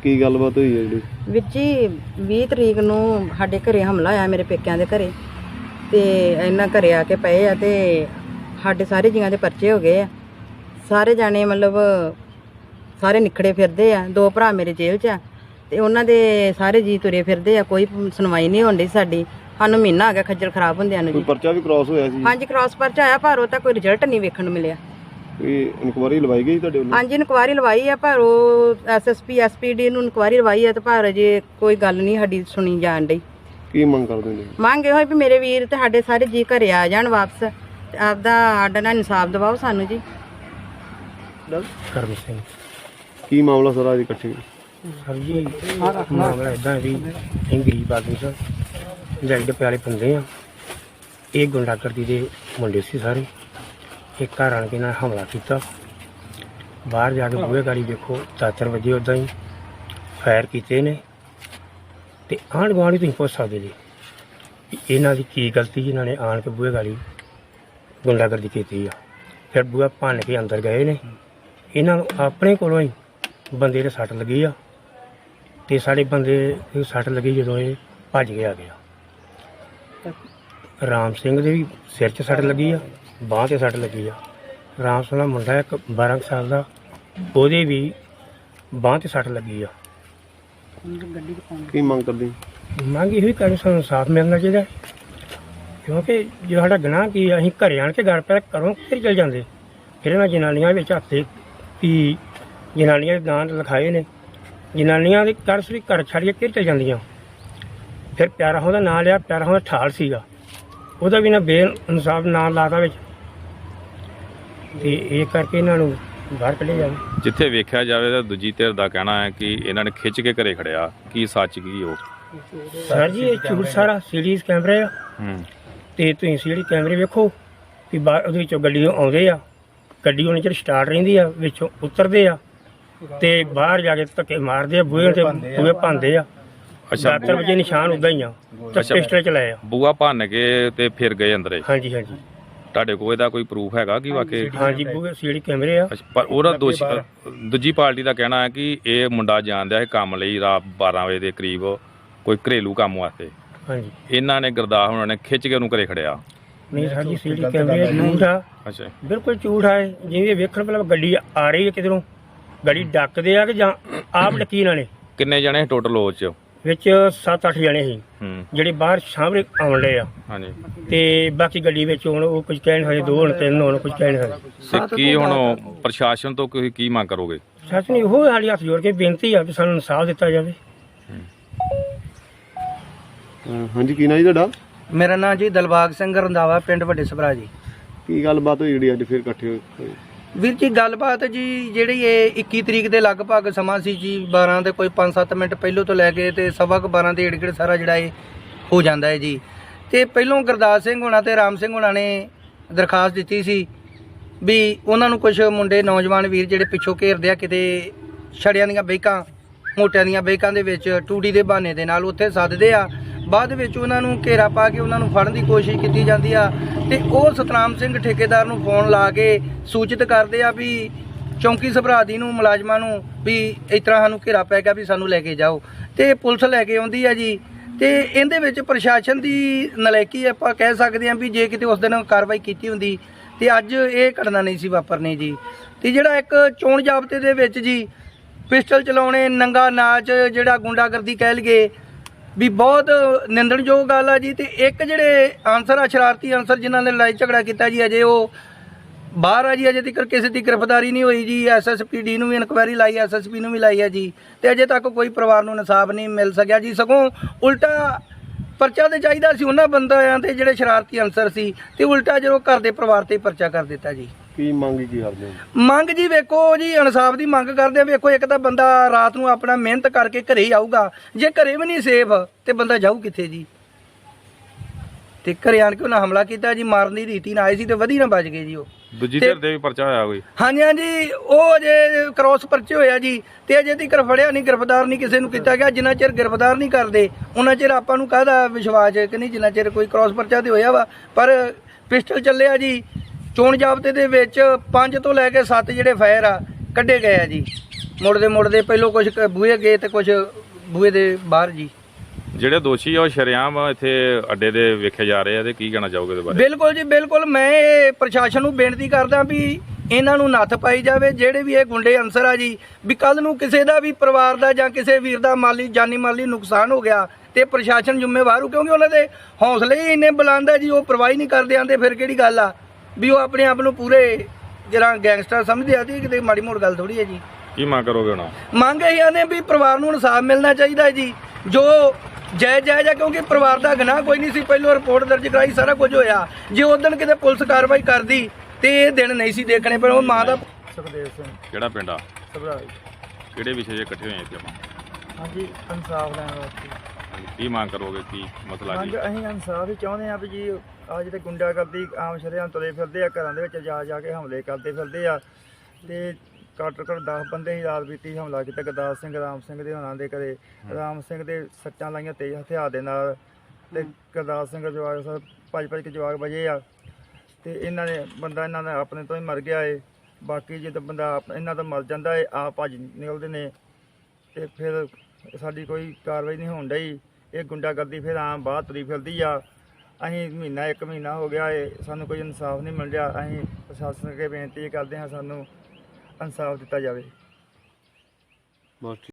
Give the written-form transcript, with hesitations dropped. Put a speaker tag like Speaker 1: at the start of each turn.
Speaker 1: ਕੀ ਗੱਲਬਾਤ ਹੋਈ ਹੈ ਜਿਹੜੀ?
Speaker 2: ਵੀਰ ਜੀ 20 ਤਰੀਕ ਨੂੰ ਸਾਡੇ ਘਰੇ ਹਮਲਾ ਹੋਇਆ, ਮੇਰੇ ਪੇਕਿਆਂ ਦੇ ਘਰੇ, ਤੇ ਇਹਨਾਂ ਘਰੇ ਆ ਕੇ ਪਏ ਆ ਤੇ ਸਾਡੇ ਸਾਰੇ ਜੀਆਂ ਦੇ ਪਰਚੇ ਹੋ ਗਏ ਆ। ਸਾਰੇ ਜਾਣੇ ਮਤਲਬ ਸਾਰੇ ਨਿਖੜੇ ਫਿਰਦੇ ਆ। 2 ਭਰਾ ਮੇਰੇ ਜੇਲ੍ਹ 'ਚ ਆ ਤੇ ਉਹਨਾਂ ਦੇ ਸਾਰੇ ਜੀ ਤੁਰੇ ਫਿਰਦੇ ਆ। ਕੋਈ ਸੁਣਵਾਈ ਨਹੀਂ ਹੋਣ ਡਈ ਸਾਡੀ। ਸਾਨੂੰ ਮਹੀਨਾ ਆ ਗਿਆ ਖੱਜਲ ਖਰਾਬ ਹੁੰਦਿਆਂ ਨੂੰ
Speaker 1: ਕੋਈ
Speaker 2: ਜੀ।
Speaker 1: ਪਰਚਾ ਵੀ ਕ੍ਰਾਸ ਹੋਇਆ ਸੀ?
Speaker 2: ਹਾਂਜੀ, ਕ੍ਰਾਸ ਪਰਚਾ ਆਇਆ ਪਰ ਉਹ ਤਾਂ ਕੋਈ ਰਿਜ਼ਲਟ ਨਹੀਂ ਵੇਖਣ ਨੂੰ ਮਿਲਿਆ।
Speaker 1: ਕੋਈ ਇਨਕੁਆਇਰੀ ਲਵਾਈ ਗਈ ਤੁਹਾਡੇ ਵੱਲੋਂ?
Speaker 2: ਹਾਂਜੀ, ਇਨਕੁਆਇਰੀ ਲਵਾਈ ਆ ਪਰ ਉਹ ਐਸਐਸਪੀ ਐਸਪੀਡੀ ਨੂੰ ਇਨਕੁਆਇਰੀ ਲਵਾਈ ਆ ਤੇ ਪਰ ਅਜੇ ਕੋਈ ਗੱਲ ਨਹੀਂ ਸਾਡੀ ਸੁਣੀ ਜਾਣ ਡਈ।
Speaker 1: ਕੀ ਮੰਗ ਕਰਦੇ ਨੇ?
Speaker 2: ਮੰਗ ਇਹੋ ਵੀ ਮੇਰੇ ਵੀਰ ਤੇ ਸਾਡੇ ਸਾਰੇ ਜੀ ਘਰੇ ਆ ਜਾਣ ਵਾਪਸ ਤੇ ਆਪਦਾ ਸਾਡਾ ਨਾਲ ਇਨਸਾਫ ਦਿਵਾਓ ਸਾਨੂੰ ਜੀ।
Speaker 3: ਕਰਮ ਸਿੰਘ।
Speaker 1: ਕੀ ਮਾਮਲਾ ਸਾਰਾ ਅੱਜ ਇਕੱਠੇ?
Speaker 3: ਸਰ ਜੀ ਮਾਮਲਾ ਇਦਾਂ ਵੀ ਅਸੀਂ ਗਰੀਬ ਆਦਮੀ ਸਰ, ਦਿਹਾੜੀ ਦੇ ਪਿਆਲੇ ਬੰਦੇ ਆ। ਇਹ ਗੁੰਡਾਗਰਦੀ ਦੇ ਮੁੰਡੇ ਸੀ ਸਾਰੇ। ਇੱਕ ਘਰ ਆਣ ਕੇ ਨਾਲ ਹਮਲਾ ਕੀਤਾ। ਬਾਹਰ ਜਾ ਕੇ ਬੂਹੇ ਗਾੜੀ ਵੇਖੋ 4 ਵਜੇ ਉੱਦਾਂ ਹੀ ਫਾਇਰ ਕੀਤੇ ਨੇ। ਤੇ ਆਂਢ ਗੁਆਂਢ ਤੁਸੀਂ ਪੁੱਛ ਸਕਦੇ ਜੀ ਇਹਨਾਂ ਦੀ ਕੀ ਗਲਤੀ? ਇਹਨਾਂ ਨੇ ਆਣ ਕੇ ਬੂਹੇ ਗਾੜੀ ਗੁੰਡਾਗਰਦੀ ਕੀਤੀ ਆ। ਫਿਰ ਬੂਹਾ ਭੰਨ ਕੇ ਅੰਦਰ ਗਏ ਨੇ। ਇਹਨਾਂ ਨੂੰ ਆਪਣੇ ਕੋਲੋਂ ਹੀ ਬੰਦੇ ਦੇ ਸੱਟ ਲੱਗੀ ਆ ਤੇ ਸਾਡੇ ਬੰਦੇ ਨੂੰ ਸੱਟ ਲੱਗੀ ਜਦੋਂ ਇਹ ਭੱਜ ਕੇ ਆ ਗਿਆ। ਰਾਮ ਸਿੰਘ ਦੇ ਵੀ ਸਿਰ 'ਚ ਸੱਟ ਲੱਗੀ ਆ, ਬਾਂਹ 'ਤੇ ਸੱਟ ਲੱਗੀ ਆ। ਰਾਮ ਸਿੰਘ ਦਾ ਮੁੰਡਾ ਇੱਕ 12 ਸਾਲ ਦਾ, ਉਹਦੇ ਵੀ ਬਾਂਹ 'ਤੇ ਸੱਟ ਲੱਗੀ ਆ।
Speaker 1: ਕੀ ਮੰਗ ਕਰਦੇ?
Speaker 3: ਮੰਗ ਇਹੋ ਹੀ ਕਰਨੀ ਸਾਨੂੰ ਇਨਸਾਫ ਮਿਲਣਾ ਚਾਹੀਦਾ, ਕਿਉਂਕਿ ਜੋ ਸਾਡਾ ਗੁਨਾਹ ਕੀ ਆ, ਅਸੀਂ ਘਰੇ ਆਣ ਕੇ ਘਰ ਪੈ ਘਰੋਂ ਫਿਰ ਚਲ ਜਾਂਦੇ। ਫਿਰ ਇਹਨਾਂ ਜਨਾਨੀਆਂ ਵਿੱਚ ਹੱਥੇ ਵੀ ਜਨਾਨੀਆਂ ਦੇ ਨਾਂ ਲਿਖਾਏ ਨੇ। ਜਨਾਨੀਆਂ ਦੇ ਘਰ ਸਰੀ ਘਰ ਛੱਡ ਕੇ ਫਿਰ ਚਲ ਜਾਂਦੀਆਂ। ਫਿਰ ਪਿਆਰਾ ਉਹਦਾ ਨਾਂ ਲਿਆ, ਪਿਆਰਾ ਉਹਦਾ ਠਾਲ ਸੀਗਾ, ਉਹਦਾ ਵੀ ਨਾ ਬੇਇਨਸਾਫ ਨਾਂ ਲਾਤਾ ਵਿੱਚ। ਤੇ ਇਹ ਕਰਕੇ ਇਹਨਾਂ ਨੂੰ ਬਾਹਰ ਕੱਢਿਆ ਜਾਵੇ।
Speaker 4: ਜਿੱਥੇ ਵੇਖਿਆ ਜਾਵੇ ਤਾਂ ਦੂਜੀ ਧਿਰ ਦਾ ਕਹਿਣਾ ਹੈ ਕਿ ਇਹਨਾਂ ਨੇ ਖਿੱਚ ਕੇ ਘਰੇ ਖੜਿਆ। ਕੀ ਸੱਚ ਕੀ ਉਹ?
Speaker 3: ਸਰ ਜੀ ਇਹ ਝੂਠ ਸਾਰਾ। ਸੀਡੀਜ਼ ਕੈਮਰੇ ਆ ਤੇ ਤੁਸੀਂ ਸੀਡੀ ਕੈਮਰੇ ਵੇਖੋ ਕਿ ਬਾਹਰ ਉਹਦੇ ਵਿੱਚੋਂ ਗੱਡੀਆਂ ਆਉਂਦੇ ਆ, ਗੱਡੀ ਉਹਨਾਂ ਚਿਰ ਸਟਾਰਟ ਰਹਿੰਦੀ ਆ, ਵਿੱਚੋਂ ਉਤਰਦੇ ਆ ਤੇ ਬਾਹਰ ਜਾ ਕੇ ਧੱਕੇ ਮਾਰਦੇ ਆ, ਬੂਹੇ ਤੇ ਬੂਹੇ ਭੰਨਦੇ ਆ।
Speaker 4: ਅੱਛਾ,
Speaker 3: 7 ਵਜੇ ਨਿਸ਼ਾਨ ਉਦਾਂ ਹੀ ਆ ਤੇ ਪਿਸਟਲ ਚਲਾਏ ਆ।
Speaker 4: ਬੂਆ ਭੰਨ ਕੇ ਤੇ ਫਿਰ ਗਏ ਅੰਦਰੇ?
Speaker 3: ਹਾਂਜੀ ਹਾਂਜੀ
Speaker 4: ਤੁਹਾਡੇ ਕੋਲ ਇਹਦਾ ਕੋਈ ਪ੍ਰੂਫ ਹੈਗਾ ਕਿ ਵਾਕਈ?
Speaker 3: ਹਾਂਜੀ ਬੂਹੇ ਸੀਡੀ ਕੈਮਰੇ ਆ।
Speaker 4: ਅੱਛਾ, ਪਰ ਉਹਦਾ ਦੂਜੀ ਪਾਰਟੀ ਦਾ ਕਹਿਣਾ ਹੈ ਕਿ ਇਹ ਮੁੰਡਾ ਜਾਣਦਾ ਹੈ ਕੰਮ ਲਈ ਰਾਤ 12 ਵਜੇ ਦੇ ਕਰੀਬ ਕੋਈ ਘਰੇਲੂ ਕੰਮ ਵਾਸਤੇ।
Speaker 3: ਹਾਂਜੀ
Speaker 4: ਇਹਨਾਂ ਨੇ ਗੁਰਦਾਸ ਉਹਨਾਂ ਨੇ ਖਿੱਚ ਕੇ ਉਹਨੂੰ ਘਰੇ ਖੜਿਆ।
Speaker 3: ਨਹੀਂ ਸਰ ਜੀ ਸੀਡੀ ਕੈਮਰੇ ਝੂਠ ਆ,
Speaker 4: ਅੱਛਾ,
Speaker 3: ਬਿਲਕੁਲ ਝੂਠ ਆ। ਜਿਵੇਂ ਵੇਖਣ ਪਹਿਲਾਂ ਗੱਡੀ ਆ ਰਹੀ ਹੈ ਕਿਧਰੋਂ, ਗੱਡੀ ਡੱਕਦੇ ਆ ਕਿ ਜਾਂ ਆਪ ਡੱਕੀ ਇਹਨਾਂ ਨੇ।
Speaker 4: ਕਿੰਨੇ ਜਣੇ ਟੋਟਲ ਉਹ ਚ?
Speaker 3: ਵਿੱਚ 7-8 ਜਣੇ ਸੀ ਜਿਹੜੇ ਬਾਹਰ ਸਾਹਮਣੇ ਆਉਣ ਲਏ ਆ।
Speaker 4: ਹਾਂਜੀ,
Speaker 3: ਤੇ ਬਾਕੀ ਗੱਡੀ ਵਿੱਚ ਹੁਣ ਉਹ ਕੁਝ ਕਹਿ ਨਹੀਂ ਸਕਦੇ, 2 ਹੁਣ 3 ਹੁਣ ਕੁਝ ਕਹਿ ਨਹੀਂ ਸਕਦੇ।
Speaker 4: ਤੇ ਕੀ ਹੁਣ ਪ੍ਰਸ਼ਾਸਨ ਤੋਂ ਤੁਸੀਂ ਕੀ ਮੰਗ ਕਰੋਗੇ?
Speaker 3: ਸੱਚ ਨਹੀਂ, ਉਹ ਸਾਡੀ ਹੱਥ ਜੋੜ ਕੇ ਬੇਨਤੀ ਆ ਕਿ ਸਾਨੂੰ ਇਨਸਾਫ ਦਿੱਤਾ ਜਾਵੇ।
Speaker 1: ਹਾਂਜੀ, ਕੀ ਨਾਂ ਜੀ ਤੁਹਾਡਾ?
Speaker 5: ਮੇਰਾ ਨਾਂ ਜੀ ਦਿਲਬਾਗ ਸਿੰਘ ਰੰਧਾਵਾ, ਪਿੰਡ ਵੱਡੇ ਸਭਰਾ ਜੀ।
Speaker 1: ਕੀ ਗੱਲਬਾਤ ਹੋਈ ਜਿਹੜੀ ਅੱਜ ਫਿਰ ਇਕੱਠੇ ਹੋਏ?
Speaker 5: ਵੀਰ ਜੀ ਗੱਲਬਾਤ ਜੀ ਜਿਹੜੀ ਇਹ 21 ਤਰੀਕ ਦੇ ਲਗਭਗ ਸਮਾਂ ਸੀ ਜੀ, 12 ਦੇ ਕੋਈ 5-7 ਮਿੰਟ ਪਹਿਲੋਂ ਤੋਂ ਲੈ ਕੇ ਤੇ 12:15 ਦੇ ਏੜ ਸਾਰਾ ਜਿਹੜਾ ਇਹ ਹੋ ਜਾਂਦਾ ਹੈ ਜੀ। ਤੇ ਪਹਿਲੋਂ ਗੁਰਦਾਸ ਸਿੰਘ ਹੋਣਾ ਤੇ ਰਾਮ ਸਿੰਘ ਹੋਣਾ ਨੇ ਦਰਖਾਸਤ ਦਿੱਤੀ ਸੀ ਵੀ ਉਹਨਾਂ ਨੂੰ ਕੁਝ ਮੁੰਡੇ ਨੌਜਵਾਨ ਵੀਰ ਜਿਹੜੇ ਪਿੱਛੋਂ ਘੇਰਦੇ ਆ, ਕਿਤੇ ਛੜਿਆਂ ਦੀਆਂ ਬੈਕਾਂ, ਮੋਟਿਆਂ ਦੀਆਂ ਬੈਕਾਂ ਦੇ ਵਿੱਚ ਟੂਟੀ ਦੇ ਬਹਾਨੇ ਦੇ ਨਾਲ ਉੱਥੇ ਸੱਦਦੇ ਆ। ਬਾਅਦ ਵਿੱਚ ਉਹਨਾਂ ਨੂੰ ਘੇਰਾ ਪਾ ਕੇ ਉਹਨਾਂ ਨੂੰ ਫੜਨ ਦੀ ਕੋਸ਼ਿਸ਼ ਕੀਤੀ ਜਾਂਦੀ ਆ ਤੇ ਉਹ ਸਤਨਾਮ ਸਿੰਘ ਠੇਕੇਦਾਰ ਨੂੰ ਫੋਨ ਲਾ ਕੇ ਸੂਚਿਤ ਕਰਦੇ ਆ ਵੀ ਚੌਂਕੀ ਸਭਰਾਦੀ ਨੂੰ, ਮੁਲਾਜ਼ਮਾਂ ਨੂੰ ਵੀ ਇਸ ਤਰ੍ਹਾਂ ਸਾਨੂੰ ਘੇਰਾ ਪੈ ਗਿਆ ਵੀ ਸਾਨੂੰ ਲੈ ਕੇ ਜਾਓ। ਤੇ ਪੁਲਿਸ ਲੈ ਕੇ ਆਉਂਦੀ ਆ ਜੀ। ਤੇ ਇਹਦੇ ਵਿੱਚ ਪ੍ਰਸ਼ਾਸਨ ਦੀ ਨਲਾਇਕੀ ਆਪਾਂ ਕਹਿ ਸਕਦੇ ਹਾਂ ਵੀ ਜੇ ਕਿਤੇ ਉਸ ਦਿਨ ਕਾਰਵਾਈ ਕੀਤੀ ਹੁੰਦੀ ਤੇ ਅੱਜ ਇਹ ਘਟਨਾ ਨਹੀਂ ਸੀ ਵਾਪਰਨੀ ਜੀ। ਤੇ ਜਿਹੜਾ ਇੱਕ ਚੋਣ ਜ਼ਾਬਤੇ ਦੇ ਵਿੱਚ ਜੀ ਪਿਸਟਲ ਚਲਾਉਣੇ, ਨੰਗਾ ਨਾਚ, ਜਿਹੜਾ ਗੁੰਡਾਗਰਦੀ ਕਹਿ ਲਈਏ ਵੀ ਬਹੁਤ ਨਿੰਦਣਯੋਗ ਗੱਲ ਆ ਜੀ। ਤੇ ਇੱਕ ਜਿਹੜੇ ਆਨਸਰ ਆ, ਸ਼ਰਾਰਤੀ ਆਨਸਰ ਜਿਨ੍ਹਾਂ ਨੇ ਲੜਾਈ ਝਗੜਾ ਕੀਤਾ ਜੀ, ਅਜੇ ਉਹ ਬਾਹਰ ਆ ਜੀ। ਅਜੇ ਤੱਕ ਕਿਸੇ ਦੀ ਗ੍ਰਿਫਤਾਰੀ ਨਹੀਂ ਹੋਈ ਜੀ। SSPD ਨੂੰ ਵੀ ਇਨਕੁਆਇਰੀ ਲਾਈ, SSP ਨੂੰ ਵੀ ਲਾਈ ਹੈ ਜੀ, ਤੇ ਅਜੇ ਤੱਕ ਕੋਈ ਪਰਿਵਾਰ ਨੂੰ ਇਨਸਾਫ ਨਹੀਂ ਮਿਲ ਸਕਿਆ ਜੀ। ਸਗੋਂ ਉਲਟਾ ਪਰਚਾ ਤੇ ਚਾਹੀਦਾ ਸੀ ਉਹਨਾਂ ਬੰਦਿਆਂ ਤੇ ਜਿਹੜੇ ਸ਼ਰਾਰਤੀ ਅਨਸਰ ਸੀ, ਤੇ ਉਲਟਾ ਜਦੋਂ ਘਰ ਦੇ ਪਰਿਵਾਰ ਤੇ ਪਰਚਾ ਕਰ ਦਿੱਤਾ ਜੀ।
Speaker 1: ਕੀ ਮੰਗ ਕੀ ਕਰਦੇ ਹੋ?
Speaker 5: ਮੰਗ ਜੀ ਵੇਖੋ ਜੀ, ਇਨਸਾਫ ਦੀ ਮੰਗ ਕਰਦੇ ਆ। ਵੇਖੋ ਇੱਕ ਤਾਂ ਬੰਦਾ ਰਾਤ ਨੂੰ ਆਪਣਾ ਮਿਹਨਤ ਕਰਕੇ ਘਰੇ ਹੀ ਆਊਗਾ, ਜੇ ਘਰੇ ਵੀ ਨਹੀਂ ਸੇਫ ਤੇ ਬੰਦਾ ਜਾਊ ਕਿੱਥੇ ਜੀ। ਤੇ ਘਰੇ ਆਣ ਕੇ ਉਹਨਾਂ ਹਮਲਾ ਕੀਤਾ ਜੀ, ਮਾਰਨ ਦੀ ਰੀਤੀ ਨਾਲ ਆਏ ਸੀ ਤੇ ਵਧੀ ਨਾ ਬਚ ਗਏ ਜੀ। ਉਹ
Speaker 4: ਦੂਜੀ ਧਿਰ ਦੇ ਵੀ ਪਰਚਾ ਹੋਇਆ ਕੋਈ?
Speaker 5: ਹਾਂਜੀ ਹਾਂਜੀ, ਉਹ ਅਜੇ ਕ੍ਰੋਸ ਪਰਚੇ ਹੋਇਆ ਜੀ ਤੇ ਅਜੇ ਤੱਕ ਫੜਿਆ ਨਹੀਂ, ਗ੍ਰਿਫਤਾਰ ਨਹੀਂ ਕਿਸੇ ਨੂੰ ਕੀਤਾ ਗਿਆ। ਜਿੰਨਾ ਚਿਰ ਗ੍ਰਿਫਤਾਰ ਨਹੀਂ ਕਰਦੇ ਉਹਨਾਂ ਚਿਰ ਆਪਾਂ ਨੂੰ ਕਾਹਦਾ ਵਿਸ਼ਵਾਸ ਕਿ ਨਹੀਂ, ਜਿੰਨਾ ਚਿਰ ਕੋਈ ਕ੍ਰੋਸ ਪਰਚਾ ਤੇ ਹੋਇਆ ਵਾ। ਪਰ ਪਿਸਟਲ ਚੱਲਿਆ ਜੀ। ਚੋਣ ਜ਼ਾਬਤੇ ਦੇ ਵਿੱਚ 5 ਤੋਂ ਲੈ ਕੇ 7 ਜਿਹੜੇ ਫਾਇਰ ਆ ਕੱਢੇ ਗਏ ਆ ਜੀ। ਮੁੜਦੇ ਪਹਿਲੋਂ ਕੁਝ ਬੂਹੇ ਗਏ ਤੇ ਕੁਝ ਬੂਹੇ ਦੇ ਬਾਹਰ ਜੀ।
Speaker 4: ਜਿਹੜੇ ਦੋਸ਼ੀ ਆ ਉਹ ਸ਼ਰੇਆਮ ਇੱਥੇ ਅੱਡੇ ਦੇ ਵੇਖੇ ਜਾ ਰਹੇ ਆ ਤੇ ਕੀ ਕਹਿਣਾ ਚਾਹੋਗੇ ਇਹਦੇ ਬਾਰੇ?
Speaker 5: ਬਿਲਕੁਲ ਜੀ ਬਿਲਕੁਲ, ਮੈਂ ਇਹ ਪ੍ਰਸ਼ਾਸਨ ਨੂੰ ਬੇਨਤੀ ਕਰਦਾ ਵੀ ਇਹਨਾਂ ਨੂੰ ਨੱਥ ਪਾਈ ਜਾਵੇ। ਜਿਹੜੇ ਵੀ ਇਹ ਗੁੰਡੇ ਅਨਸਰ ਆ ਜੀ, ਵੀ ਕੱਲ ਨੂੰ ਕਿਸੇ ਦਾ ਵੀ ਪਰਿਵਾਰ ਦਾ ਜਾਂ ਕਿਸੇ ਵੀਰ ਦਾ ਜਾਨੀ ਮਾਲੀ ਨੁਕਸਾਨ ਹੋ ਗਿਆ ਤੇ ਪ੍ਰਸ਼ਾਸਨ ਜ਼ਿੰਮੇਵਾਰ ਹੋ, ਕਿਉਂਕਿ ਉਹਨਾਂ ਦੇ ਹੌਸਲੇ ਹੀ ਇੰਨੇ ਬੁਲੰਦ ਆ ਜੀ, ਉਹ ਪਰਵਾਹ ਹੀ ਨਹੀਂ ਕਰਦੇ ਆਂਦੇ। ਫਿਰ ਕਿਹੜੀ ਗੱਲ ਆ ਵੀ ਉਹ ਆਪਣੇ ਆਪ ਨੂੰ ਪੂਰੇ ਜਿਹੜਾ ਗੈਂਗਸਟਰ ਸਮਝਦੇ ਆ ਜੀ, ਕਿਤੇ ਮਾੜੀ ਮੋੜ ਗੱਲ ਥੋੜੀ ਹੈ ਜੀ।
Speaker 4: ਕੀ ਮੰਗ ਕਰੋਗੇ ਹੁਣ?
Speaker 5: ਮੰਗ ਇਹ ਆਨੇ ਵੀ ਪਰਿਵਾਰ ਨੂੰ ਇਨਸਾਫ ਮਿਲਣਾ ਚਾਹੀਦਾ ਜੀ, ਜੋ ਜਾਇਜ਼ ਆ, ਕਿਉਂਕਿ ਪਰਿਵਾਰ ਦਾ ਗੁਨਾਹ ਕੋਈ ਨਹੀਂ ਸੀ। ਪਹਿਲੋਂ ਰਿਪੋਰਟ ਦਰਜ ਕਰਾਈ, ਸਾਰਾ ਕੁਝ ਹੋਇਆ। ਜੇ ਉਦੋਂ ਕਿਤੇ ਪੁਲਿਸ ਕਾਰਵਾਈ ਕਰਦੀ ਤੇ ਇਹ ਦਿਨ ਨਹੀਂ ਸੀ ਦੇਖਣੇ, ਪਰ ਉਹ ਮਾਂ ਦਾ।
Speaker 6: ਸੁਖਦੇਵ ਸਿੰਘ
Speaker 4: ਕਿਹੜਾ ਪਿੰਡ ਆ?
Speaker 6: ਸਭਰਾਜ।
Speaker 4: ਕਿਹੜੇ ਵਿਸ਼ੇ 'ਚ ਇਕੱਠੇ ਹੋਏ ਇੱਥੇ ਆਪਾਂ?
Speaker 6: ਹਾਂਜੀ, ਇਨਸਾਫ ਲੈਣ ਵਾਸਤੇ।
Speaker 4: ਕੀ ਮੰਗ ਕਰੋਗੇ? ਕੀ ਮਸਲਾ
Speaker 6: ਮੰਗ
Speaker 4: ਜੀ?
Speaker 6: ਅਸੀਂ ਇਨਸਾਫ ਹੀ ਚਾਹੁੰਦੇ ਹਾਂ ਵੀ ਜੀ ਆ ਜਿਹੜੇ ਗੁੰਡਾਗਰਦੀ ਆਮ ਸ਼ਰੇਆਮ ਤੁਰੇ ਫਿਰਦੇ ਆ, ਘਰਾਂ ਦੇ ਵਿੱਚ ਜਾ ਕੇ ਹਮਲੇ ਕਰਦੇ ਫਿਰਦੇ ਆ, ਤੇ ਘੱਟ ਘੱਟ 10 ਬੰਦੇ ਹੀ ਰਾਤ ਬੀਤੀ ਹਮਲਾ ਕੀਤਾ ਗੁਰਦਾਸ ਸਿੰਘ ਰਾਮ ਸਿੰਘ ਦੇ ਹੋਣਾ ਦੇ ਘਰੇ। ਰਾਮ ਸਿੰਘ ਦੇ ਸੱਟਾਂ ਲਾਈਆਂ ਤੇਜ਼ ਹਥਿਆਰ ਦੇ ਨਾਲ, ਤੇ ਗੁਰਦਾਸ ਸਿੰਘ ਜਵਾਕ ਭੱਜ ਕੇ ਜਵਾਕ ਵਜੇ ਆ, ਤੇ ਇਹਨਾਂ ਨੇ ਬੰਦਾ ਇਹਨਾਂ ਦਾ ਆਪਣੇ ਤੋਂ ਹੀ ਮਰ ਗਿਆ ਏ। ਬਾਕੀ ਜਦੋਂ ਬੰਦਾ ਇਹਨਾਂ ਦਾ ਮਰ ਜਾਂਦਾ ਏ, ਆਪ ਭੱਜ ਨਿਕਲਦੇ ਨੇ, ਤੇ ਫਿਰ ਸਾਡੀ ਕੋਈ ਕਾਰਵਾਈ ਨਹੀਂ ਹੋਣ ਡਈ। ਇਹ ਗੁੰਡਾਗਰਦੀ ਫਿਰ ਆਮ ਬਾਹਰ ਤੁਰੀ ਫਿਰਦੀ ਆ। ਅਸੀਂ ਇੱਕ ਮਹੀਨਾ ਹੋ ਗਿਆ ਏ, ਸਾਨੂੰ ਕੋਈ ਇਨਸਾਫ ਨਹੀਂ ਮਿਲ ਰਿਹਾ। ਅਸੀਂ ਪ੍ਰਸ਼ਾਸਨ ਅੱਗੇ ਬੇਨਤੀ ਕਰਦੇ ਹਾਂ, ਸਾਨੂੰ ਇਨਸਾਫ ਦਿੱਤਾ ਜਾਵੇ।
Speaker 1: ਬਸ।